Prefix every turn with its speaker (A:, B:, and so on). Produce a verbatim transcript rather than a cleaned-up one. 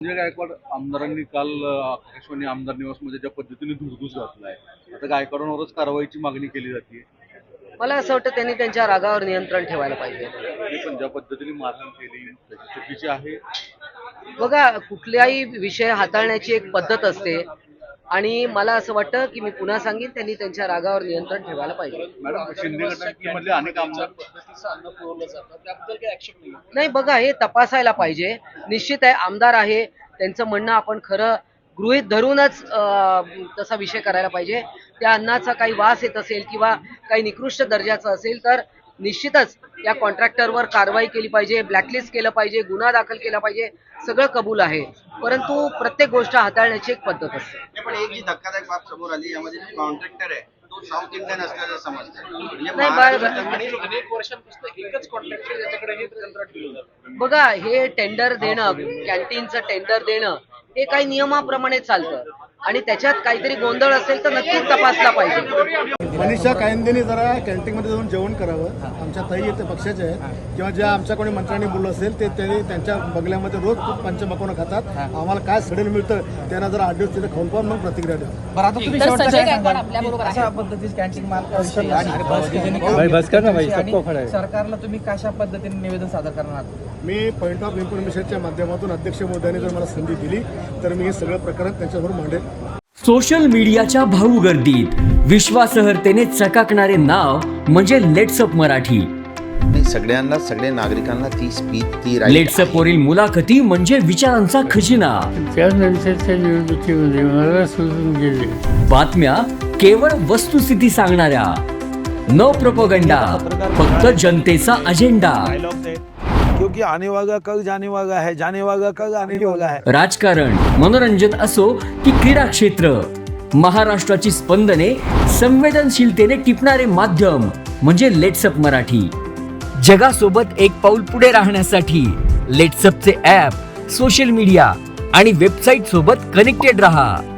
A: संजय गायकवाड आमदारांनी काल आकाशवाणी आमदार निवासमध्ये ज्या पद्धतीने धुडगूस घातलाय, आता गायकवाडांवरच कारवाईची मागणी केली जाते.
B: मला असं वाटतं त्यांनी त्यांच्या रागावर नियंत्रण ठेवायला पाहिजे.
A: पण ज्या पद्धतीने मारहाण केली त्याची चुकीची आहे.
B: बघा, कुठल्याही विषय हाताळण्याची एक पद्धत असते आणि मला असं वाटतं की मी पुन्हा सांगेन त्यांनी त्यांच्या रागावर नियंत्रण ठेवायला पाहिजे.
A: मॅडम, शिंदे गटामधले अनेक आमदार
B: नाही, बघा, हे तपासायला पाहिजे. निश्चित आहे, आमदार आहे, त्यांचं म्हणणं आपण खरं गृहीत धरूनच तसा विषय करायला पाहिजे. त्या अन्नाचा काही वास येत असेल किंवा काही निकृष्ट दर्जाचं असेल तर निश्चितच या कॉन्ट्रॅक्टरवर कारवाई केली पाहिजे, ब्लॅकलिस्ट केलं पाहिजे, गुन्हा दाखल केला पाहिजे, सगळं कबूल आहे. परंतु प्रत्येक गोष्ट हाताळण्याची एक पद्धत असते.
C: पण एक जी धक्कादायक बाब समोर आली, यामध्ये जो कॉन्ट्रॅक्टर आहे तो साऊथ इंडियन असल्याचं समजतं.
B: नाही बाळ,
D: अनेक वर्षांपासून एकच कॉन्ट्रॅक्टर याच्याकडे हे कंत्राट दिलं जातं.
B: बघा, हे टेंडर देणं, कॅन्टीनचं टेंडर देणं हे काही नियमाप्रमाणे चालतं आणि त्याच्यात काहीतरी गोंधळ असेल तर नक्कीच तपासला पाहिजे.
E: मनीषा कायंदेने जरा कॅन्टीनमध्ये जाऊन जेवण करावं. आमच्या ताई ते पक्षाचे आहेत किंवा ज्या आमच्या कोणी मंत्र्यांनी बोललं असेल ते त्यांनी त्यांच्या बंगल्यामध्ये रोज खूप पंचमकोनं खातात. आम्हाला काय सडेल मिळतं त्यांना जरा आठ दिवस तिथे खाऊन पाहून मग प्रतिक्रिया द्या.
F: बरं, आता तुम्ही अशा पद्धतीची कॅन्टीन मालकाविषयी आणि सरकारला तुम्ही कशा पद्धतीने निवेदन सादर करणार?
E: मी पॉईंट ऑफ इन्फॉर्मेशनच्या माध्यमातून अध्यक्ष महोदयांनी जर मला संधी दिली तर मी हे सगळं प्रकरण त्यांच्यावर मांडेल.
G: सोशल मीडियाच्या भाऊ गर्दीत विश्वासार्हतेने चकाकणारे नाव म्हणजे लेट्सअप मराठी.
H: सगळ्यांना, सगळ्या नागरिकांना ती स्पीच, ती
G: लेट्सअप वरील मुलाखती म्हणजे विचारांचा खजिना. बातम्या केवळ वस्तुस्थिती सांगणाऱ्या, न प्रोपगंडा, फक्त जनतेचा अजेंडा.
I: क्योंकि आने वाला कल जाने वाला है, जाने वाला कल आने वाला है.
G: राजकारण, मनोरंजन असो की क्रीडा क्षेत्र, महाराष्ट्राची स्पंदने संवेदनशीलतेने टिपणारे माध्यम म्हणजे लेट्सअप मराठी. जगासोबत एक पाऊल पुढे राहण्यासाठी लेट्सअपचे ॲप, सोशल मीडिया आणि वेबसाईट सोबत कनेक्टेड रहा.